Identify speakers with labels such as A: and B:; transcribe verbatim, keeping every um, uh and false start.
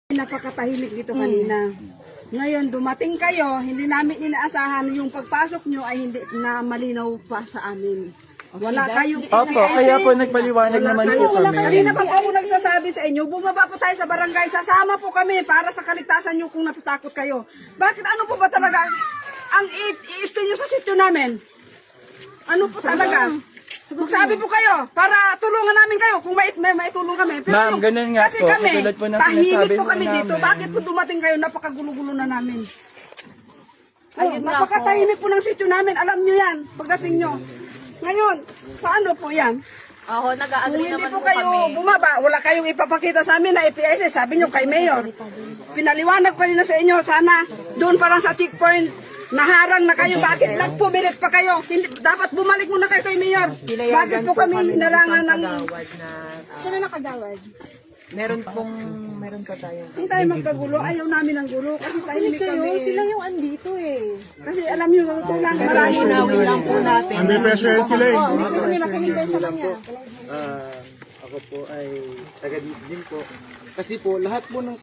A: Napakatahimik dito kanina. Ngayon, dumating kayo, hindi namin inaasahan yung pagpasok nyo ay hindi na malinaw pa sa amin. Wala kayong
B: Opo, kaya po nagpaliwanag naman po kami.
A: Kanina pa po ako nagsasabi sa inyo, bumaba po tayo sa barangay, sasama po kami para sa kaligtasan nyo kung natatakot kayo. Bakit ano po ba talaga ang i-stay nyo sa sityo namin? Ano po talaga? Magsabi po kayo, para tulungan namin kayo kung may, may maitulong kami. Pero
B: Ma'am,
A: yung-
B: ganun nga
A: kasi
B: po,
A: kami,
B: katulad po ng
A: tahimik
B: sinasabi
A: po
B: po
A: kami dito.
B: namin.
A: Bakit po dumating kayo, napakagulo-gulo na namin? Oh,
C: Ayun nga
A: napakatahimik po ng sityo namin. Alam nyo yan, pagdating nyo. Ngayon, paano po yan?
C: Ako,
A: Kung
C: nag-a-agree
A: hindi
C: naman
A: po
C: po
A: kayo
C: kami.
A: bumaba, wala kayong ipapakita sa amin na I P S S, sabi nyo kay Mayor. Pinaliwanag ko kanina sa inyo, sana doon pa lang sa checkpoint, naharang na kayo, bakit nagpumilit pa kayo? Hindi, dapat bumalik muna kayo kay Mayor. Bakit po kami hinarangan ng...
C: Sino nakagawad?
D: Meron pong, meron pa tayo.
A: Hindi tayo magkagulo, ayaw namin ng gulo, kasi tahimik kami.
C: Sila yung andito eh.
A: Kasi alam nyo, kulang marami na.
D: Unawin lang po natin.
E: Under pressure sila eh.
C: Oh, gusto nila makinig kayo sa kanya.
F: Ah, ako po ay taga din po. Kasi po lahat po ng